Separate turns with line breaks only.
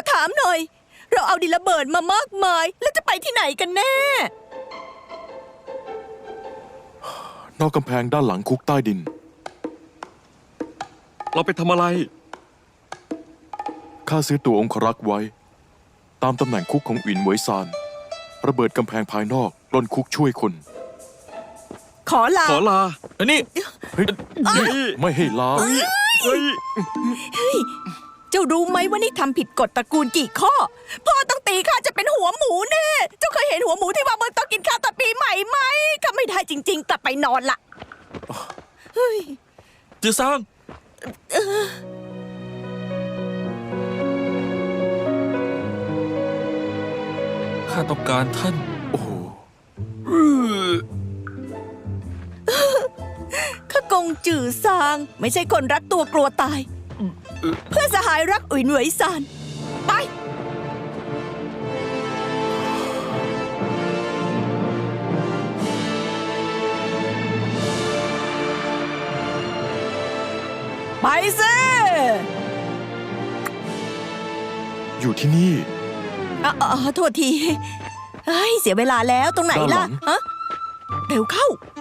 ถามหน่อย เราเอาดินระเบิดมามากมาย แล้วจะไปที่ไหนกันแน่
นอกกำแพงด้านหลังคุกใต้ดิน
เราไปทำอะไร
ข้าซื้อตัวองครักษ์ไว้ ตามตำแหน่งคุกของอินเหวยซานระเบิดกำแพงภายนอกปล้นคุกช่วยคน
ขอลา
ขอลา
อันนี้
เฮ้ยไม่ให้ลา
เฮ้ย
เจ้ารู้ไหมว่านี่ทำผิดกฎตระกูลกี่ข้อ พ่อต้องตีข้าจะเป็นหัวหมูแน่ เจ้าเคยเห็นหัวหมูที่วางบนโต๊ะกินข้าวตอนปีใหม่ไหมข้าไม่ได้จริง ๆ กลับไปนอนละเฮ้ย
จือซางข้าต้องการท่าน
โอ้โห
ข้ากงจื่อซางไม่ใช่คนรักตัวกลัวตาย เพื่อนสหายรักอุ๋ยหนวยซานไปไปสิ
อยู่ที่นี่
โทษทีเฮ้ยเสียเวลาแล้วตรงไหน
ด้านหลั
ล่ะ
ง
ฮะเร็วเข้า